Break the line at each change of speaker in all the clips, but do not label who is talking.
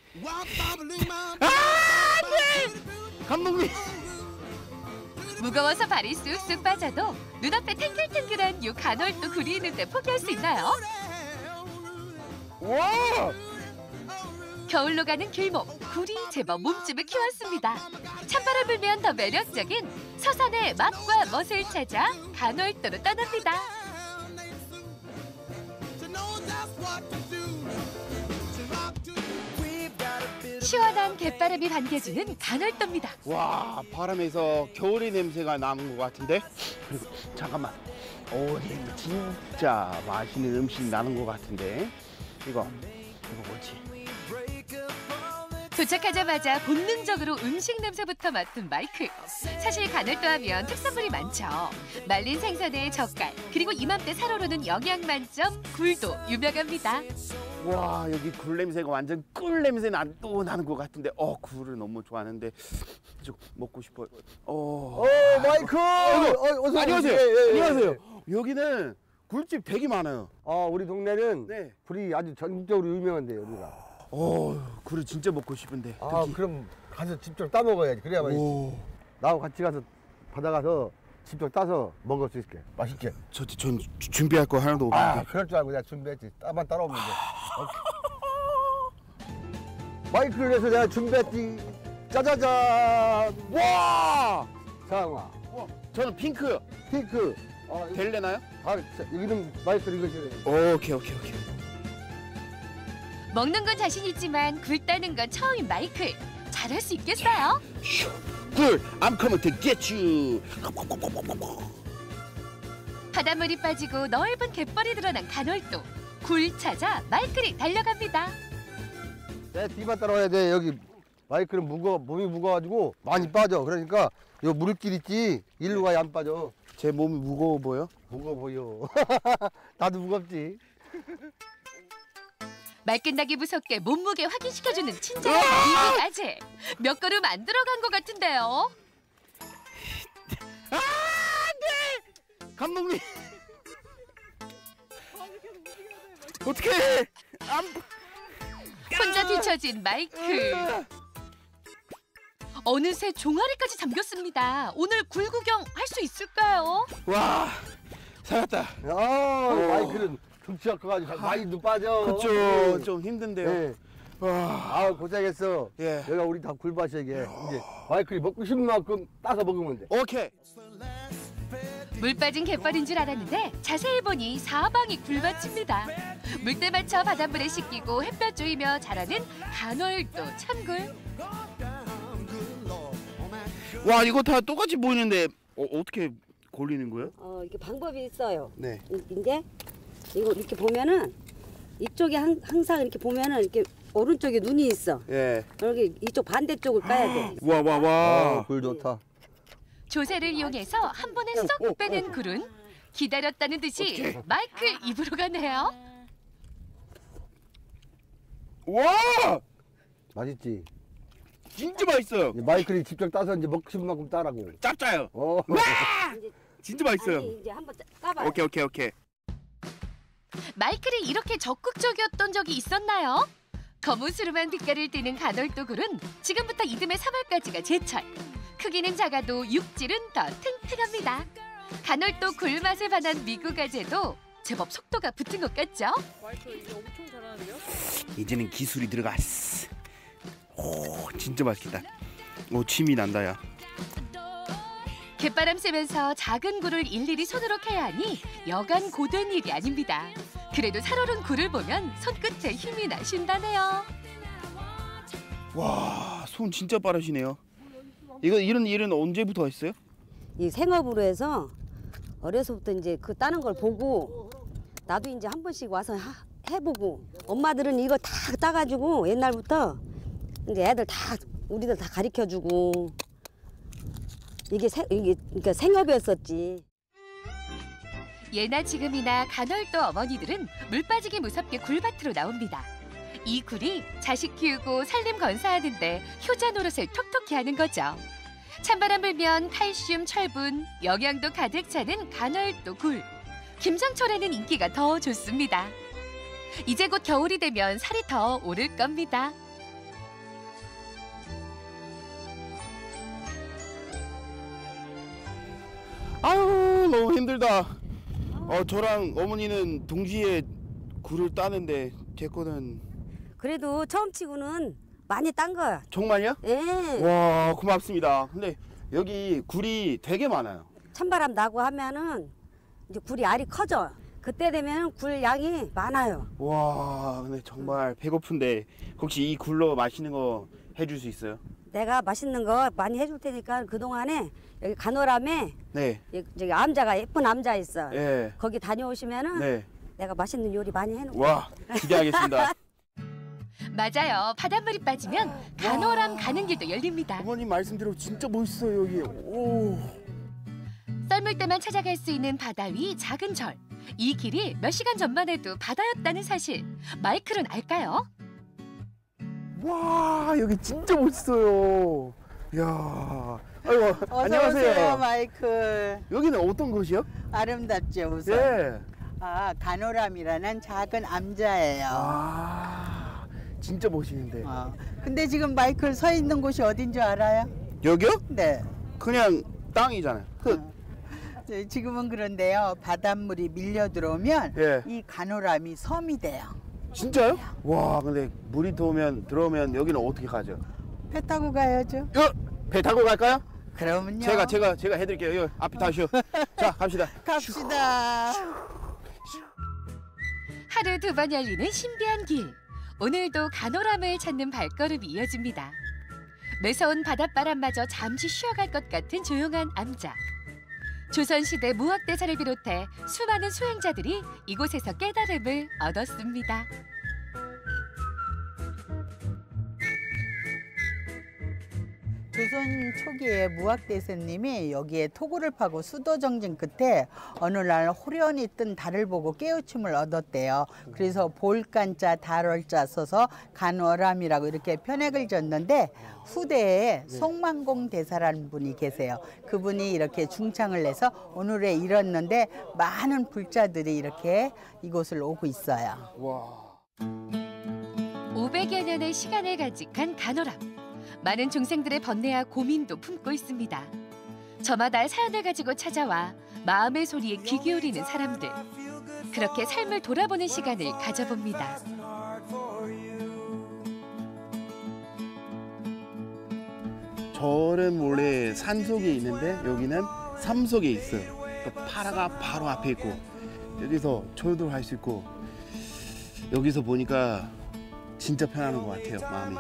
네! 감독님.
무거워서 발이 쑥쑥 빠져도 눈앞에 탱글탱글한 요 간월도 굴이 있는데 포기할 수 있나요?
와!
겨울로 가는 길목, 굴이 제법 몸집을 키웠습니다. 찬바람 불면 더 매력적인 서산의 맛과 멋을 찾아 간월도로 떠납니다. 시원한 갯바람이 반겨주는 간월도입니다.
와, 바람에서 겨울의 냄새가 나는 것 같은데? 그리고 잠깐만. 오, 진짜 맛있는 음식 나는 것 같은데? 이거 뭐지?
도착하자마자 본능적으로 음식 냄새부터 맡은 마이클. 사실 간월도 하면 특산물이 많죠. 말린 생선에 젓갈, 그리고 이맘때 살아오르는 영양 만점 굴도 유명합니다.
와, 여기 굴 냄새가 완전 꿀 냄새 또 나는 것 같은데, 굴을 너무 좋아하는데 좀 먹고 싶어요.
마이클! 어서
안녕하세요.
오세요.
안녕하세요. 여기는 굴집 되게 많아요.
우리 동네는
네.
굴이 아주 전국적으로 유명한데요, 여기가.
굴을 진짜 먹고 싶은데.
그럼 가서 직접 따 먹어야지. 그래야 맛있지. 나하고 같이 가서 바다 가서 직접 따서 먹을 수 있게. 맛있게.
전 준비할 거 하나도 없는데.
그럴 줄 알고 내가 준비했지. 따만 따라오면 돼. 마이크를 위해서 내가 준비했지. 짜자잔!
와!
상아.
저는 핑크.
핑크.
될래나요?
여기는 마이크를 이거지.
오케이.
먹는 건 자신 있지만 굴 따는 건 처음인 마이클. 잘할 수 있겠어요?
굴, I'm coming to get you.
바닷물이 빠지고 넓은 갯벌이 드러난 간월도. 굴 찾아 마이클이 달려갑니다.
내 뒤만 따라와야 돼. 여기 마이크는 몸이 무거워가지고 많이 빠져. 그러니까 요 물길 있지. 일로 가야 안 빠져.
제 몸이 무거워 보여?
무거워 보여. 나도 무겁지.
말 끝나기 무섭게 몸무게 확인시켜주는 친절한 미국 아재. 몇 걸음 안 들어간 것 같은데요.
네! 감독님. 어떡해.
혼자 뒤처진 마이클. 어느새 종아리까지 잠겼습니다. 오늘 굴 구경 할 수 있을까요?
와, 살았다.
마이크는 등치가 커가지고 많이도 빠져.
그쵸, 좀 힘든데요.
네.
와,
고생했어.
예.
여기가 우리 다 굴밭이야 이게. 이제 마이클이 먹고 싶은 만큼 따서 먹으면 돼.
오케이.
물 빠진 갯벌인 줄 알았는데 자세히 보니 사방이 굴밭입니다. 물때 맞춰 바닷물에 씻기고 햇볕 쬐이며 자라는 간월도 참굴.
와, 이거 다 똑같이 보이는데 어떻게 골리는 거예요?
이게 방법이 있어요.
네.
이제 이거 이렇게 보면은 이쪽에 항상 이렇게 보면은 이렇게 오른쪽에 눈이 있어.
예.
여기 이쪽 반대쪽을 까야 돼.
와.
굴 좋다.
조세를 이용해서 한 번에 쏙 빼낸 굴은 기다렸다는 듯이 마이클 입으로 가네요.
와!
맛있지.
진짜 맛있어요.
마이클이 직접 따서 이제 먹고 싶은 만큼 따라고.
짭짜요.
와!
진짜 맛있어요.
아니, 이제 한번 까봐.
오케이.
마이클이 이렇게 적극적이었던 적이 있었나요? 거무스름한 빛깔을 띠는 간월도 굴은 지금부터 이듬해 3월까지가 제철. 크기는 작아도 육질은 더 탱탱합니다. 간월도 굴 맛에 반한 미국 아재도 제법 속도가 붙은 것 같죠?
마이클 이제 엄청 잘하는데요?
이제는 기술이 들어갔어. 오, 진짜 맛있겠다. 오, 침이 난다, 야.
갯바람 쐬면서 작은 굴을 일일이 손으로 캐야 하니 여간 고된 일이 아닙니다. 그래도 살얼은 굴을 보면 손끝에 힘이 나신다네요.
와, 손 진짜 빠르시네요. 이런 일은 언제부터 했어요?
이 생업으로 해서 어려서부터 이제 그 따는 걸 보고 나도 이제 한 번씩 와서 해보고 엄마들은 이거 다 따가지고 옛날부터 이제 애들 다 우리들 다 가르쳐주고 이게 그러니까 생업이었었지.
예나 지금이나 간월도 어머니들은 물 빠지기 무섭게 굴밭으로 나옵니다. 이 굴이 자식 키우고 살림 건사하는데 효자 노릇을 톡톡히 하는 거죠. 찬바람 불면 칼슘, 철분, 영양도 가득 차는 간월도 굴. 김장철에는 인기가 더 좋습니다. 이제 곧 겨울이 되면 살이 더 오를 겁니다.
아유 너무 힘들다. 저랑 어머니는 동시에 굴을 따는데 제 거는
그래도 처음 치고는 많이 딴 거야.
정말요?
예.
와 고맙습니다. 근데 여기 굴이 되게 많아요.
찬바람 나고 하면은 이제 굴이 알이 커져. 그때 되면 굴 양이 많아요.
와 근데 정말 배고픈데 혹시 이 굴로 맛있는 거 해줄 수 있어요?
내가 맛있는 거 많이 해줄 테니까 그동안에 여기 간호람에
네.
저기 암자가 예쁜 암자 있어.
예.
거기 다녀오시면은
네.
내가 맛있는 요리 많이 해놓은 거.
와 기대하겠습니다.
맞아요. 바닷물이 빠지면 간호람 가는 길도 열립니다.
어머님 말씀대로 진짜 멋있어요 여기. 오.
썰물 때만 찾아갈 수 있는 바다 위 작은 절. 이 길이 몇 시간 전만 해도 바다였다는 사실. 마이클은 알까요?
와 여기 진짜 멋있어요. 이야. 아이고
어서
안녕하세요.
오세요, 마이클.
여기는 어떤 곳이요?
아름답죠, 우선.
네.
간호람이라는 작은 암자예요.
진짜 멋있는데.
근데 지금 마이클 서 있는 곳이 어딘 줄 알아요?
여기요?
네.
그냥 땅이잖아요.
지금은 그런데요. 바닷물이 밀려 들어오면
예.
이 간호람이 섬이 돼요.
진짜요? 와 근데 물이 들어오면 여기는 어떻게 가죠?
배 타고 가야죠.
배 타고 갈까요?
그러면요.
제가 해드릴게요. 여기 앞에 타시오. 자 갑시다.
갑시다.
하루 2번 열리는 신비한 길. 오늘도 간호람을 찾는 발걸음이 이어집니다. 매서운 바닷바람마저 잠시 쉬어갈 것 같은 조용한 암자. 조선시대 무학대사를 비롯해 수많은 수행자들이 이곳에서 깨달음을 얻었습니다.
조선 초기에 무학대사님이 여기에 토구를 파고 수도 정진 끝에 어느 날 호련히 뜬 달을 보고 깨우침을 얻었대요. 그래서 볼간자 달월자 써서 간월암이라고 이렇게 편액을 졌는데 후대에 송만공 대사라는 분이 계세요. 그분이 이렇게 중창을 내서 오늘에 이뤘는데 많은 불자들이 이렇게 이곳을 오고 있어요.
와.
500여 년의 시간을 간직한 간호람. 많은 중생들의 번뇌와 고민도 품고 있습니다. 저마다 사연을 가지고 찾아와 마음의 소리에 귀 기울이는 사람들. 그렇게 삶을 돌아보는 시간을 가져봅니다.
절은 원래 산 속에 있는데 여기는 삶 속에 있어요. 그러니까 파라가 바로 앞에 있고 여기서 절도 할 수 있고 여기서 보니까 진짜 편안한 것 같아요, 마음이.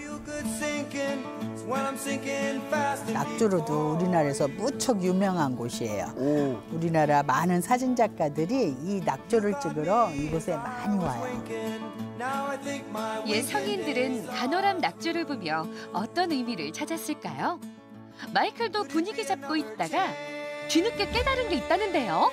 낙조로도 우리나라에서 무척 유명한 곳이에요.
오.
우리나라 많은 사진 작가들이 이 낙조를 찍으러 이곳에 많이 와요.
옛 성인들은 간호람 낙조를 보며 어떤 의미를 찾았을까요? 마이클도 분위기 잡고 있다가 뒤늦게 깨달은 게 있다는데요.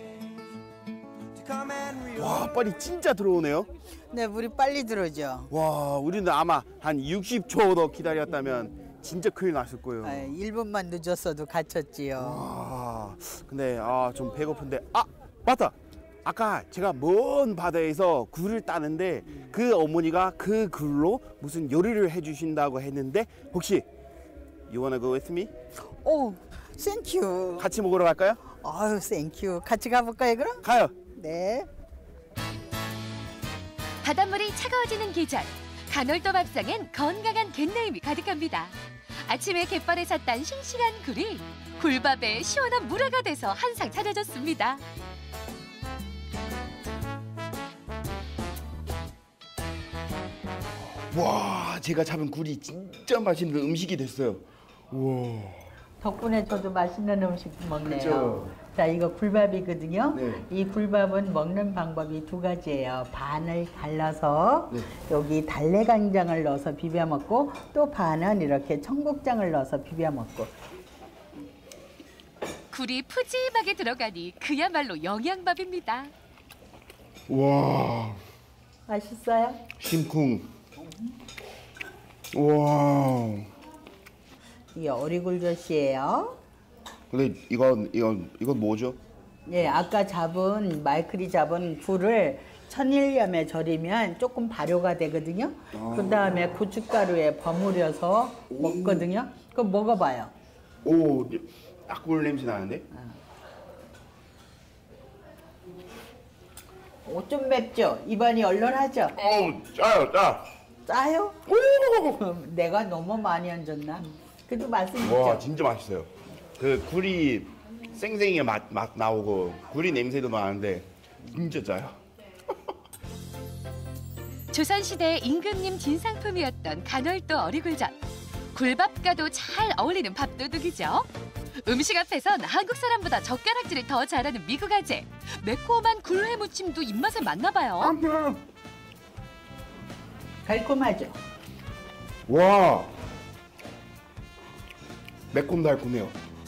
와, 빨리 진짜 들어오네요.
네, 물이 빨리 들어오죠.
와, 우리는 아마 한 60초 더 기다렸다면 진짜 큰일 났을 거예요.
1분만 늦었어도 갇혔지요.
와, 근데 좀 배고픈데 맞다. 아까 제가 먼 바다에서 굴을 따는데 그 어머니가 그 굴로 무슨 요리를 해주신다고 했는데 혹시 You wanna go with me?
오, 땡큐.
같이 먹으러 갈까요?
아유, 땡큐. 같이 가볼까요, 그럼?
가요.
네.
바닷물이 차가워지는 계절. 간월도 밥상엔 건강한 갯내음이 가득합니다. 아침에 갯벌에서 딴 싱싱한 굴이 굴밥에 시원한 물회가 돼서 한상 차려졌습니다.
와, 제가 잡은 굴이 진짜 맛있는 음식이 됐어요. 우와.
덕분에 저도 맛있는 음식 먹네요.
그죠?
자, 이거 굴밥이거든요.
네.
이 굴밥은 먹는 방법이 두 가지예요. 반을 갈라서
네.
여기 달래간장을 넣어서 비벼 먹고 또 반은 이렇게 청국장을 넣어서 비벼 먹고.
굴이 푸짐하게 들어가니 그야말로 영양밥입니다.
와,
맛있어요?
심쿵. 와.
이게 어리굴젓이에요.
근데 이건 뭐죠?
예, 아까 마이클이 잡은 굴을 천일염에 절이면 조금 발효가 되거든요. 그 다음에 고춧가루에 버무려서 먹거든요. 그럼 먹어봐요.
오, 딱 굴 냄새 나는데?
좀 맵죠? 입안이 얼얼하죠?
짜요, 짜.
짜요? 내가 너무 많이 얹었나? 그래도 맛은
와,
있죠?
진짜 맛있어요. 그 굴이 생생히 맛 나오고 굴이 냄새도 나는데 진짜 짜요.
조선시대 임금님 진상품이었던 간월도 어리굴젓. 굴밥과도 잘 어울리는 밥도둑이죠. 음식 앞에선 한국 사람보다 젓가락질을 더 잘하는 미국 아재. 매콤한 굴회 무침도 입맛에 맞나 봐요.
달콤하죠?
와, 매콤달콤해요.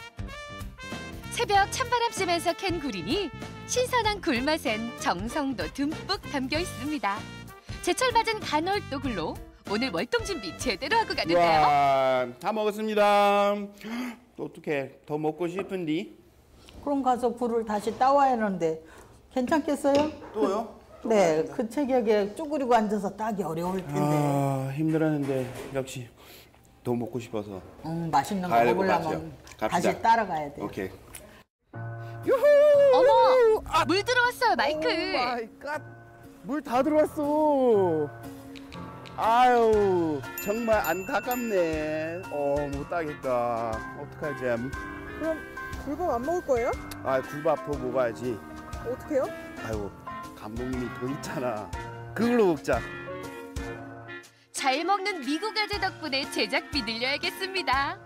새벽 찬바람 쐬면서 캔 굴이니 신선한 굴맛엔 정성도 듬뿍 담겨 있습니다. 제철 맞은 간월도 굴로 오늘 월동 준비 제대로 하고 가는데요.
와, 다 먹었습니다. 또 어떻게 더 먹고 싶은디?
그럼 가서 굴을 다시 따와야 하는데 괜찮겠어요?
또요?
네, 그 체격에 쭈그리고 앉아서 따기 어려울 텐데.
아, 힘들었는데 역시 더 먹고 싶어서.
맛있는 거
가야 될것
먹으려면
같아요.
다시
갑시다.
따라가야 돼요.
오케이.
어머, 물 들어왔어요, 마이클.
마이 갓. 물 다 들어왔어. 아유, 정말 안타깝네. 못 따겠다. 어떡하지?
그럼 굴밥 안 먹을 거예요?
아, 굴밥 더 먹어야지.
어떻게요?
아유, 감독님이 더 있잖아. 그걸로 먹자.
잘 먹는 미국 아재 덕분에 제작비 늘려야겠습니다.